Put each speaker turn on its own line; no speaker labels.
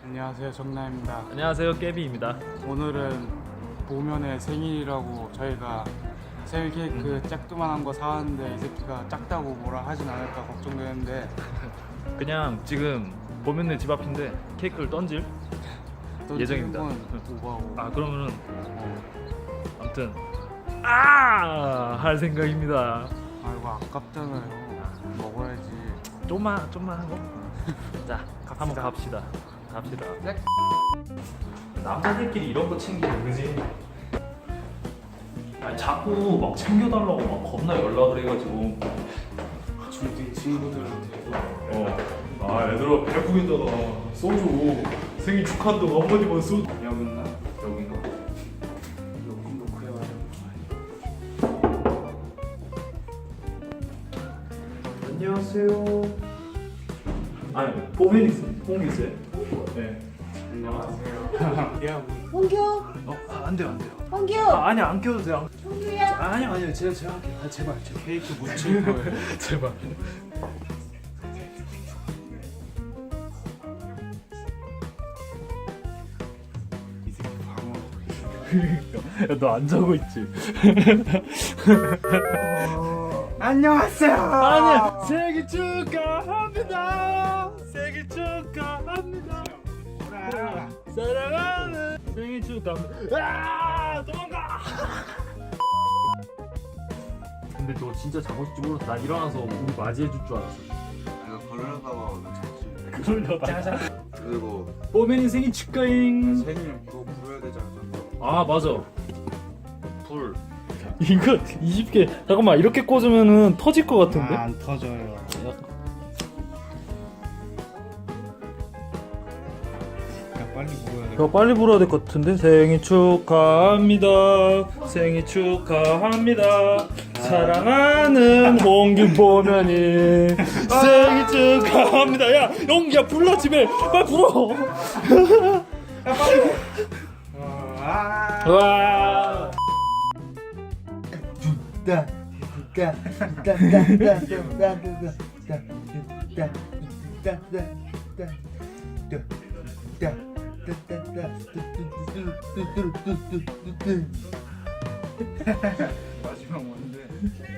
안녕하세요, 정나입니다.
안녕하세요, 깨비입니다.
오늘은 보면의 생일이라고 저희가 생일 케이크 짝두만한 거 사왔는데 이 새끼가 작다고 뭐라 하진 않을까 걱정되는데
그냥 지금 보면은 집 앞인데 케이크를 던질 예정입니다.
오버하고.
아 그러면은 아무튼 할 생각입니다.
아이고 아깝잖아요. 먹어야지.
좀만 하고 자 한번 갑시다. 남자들끼리 이런 거 챙기는 그지? 아니 자꾸 막 챙겨달라고 막 겁나 연락을 해가지고
주위 친구들한테
얘들아 배고프겠다 소주 생일 축하한다고 한마디만 소주
여기나
여긴가?
조금 놓고 해봐요.
안녕하세요. 아니 뽕이세요? 네.
안녕하세요. 야,
홍규,
안 돼요.
홍규,
아니 안 껴도 돼요.
홍규야.
아니요 제가 할게요. 제발
케이크 묻힐 거예요.
제발.
이 새끼 방어.
너 안 자고 있지?
안녕하세요.
아니 생일 축하합니다. 생일 축하합니다. 사랑하는 생일 축하합니다. 도망가. 근데 너 진짜 자고 있을지 몰랐어. 나 일어나서 우리 맞이해 줄 줄 알았어.
내가 그러려다가 오늘 잤지.
그러려다.
그리고
뽀맨이 생일 축하잉.
생일 그거 부르야 되지 않았어?
아 맞아. 불. 이거 20개. 잠깐만 이렇게 꽂으면은 터질 것 같은데?
안 터져요. 야, 빨리 먹어야 돼.
야, 빨리 불어야 될 것 같은데? 생일 축하합니다. 생일 축하합니다. 사랑하는 홍균 보면이 생일 축하합니다. 야, 영기야 불러 집에 빨리 불어. 와.
마지막 뭔데?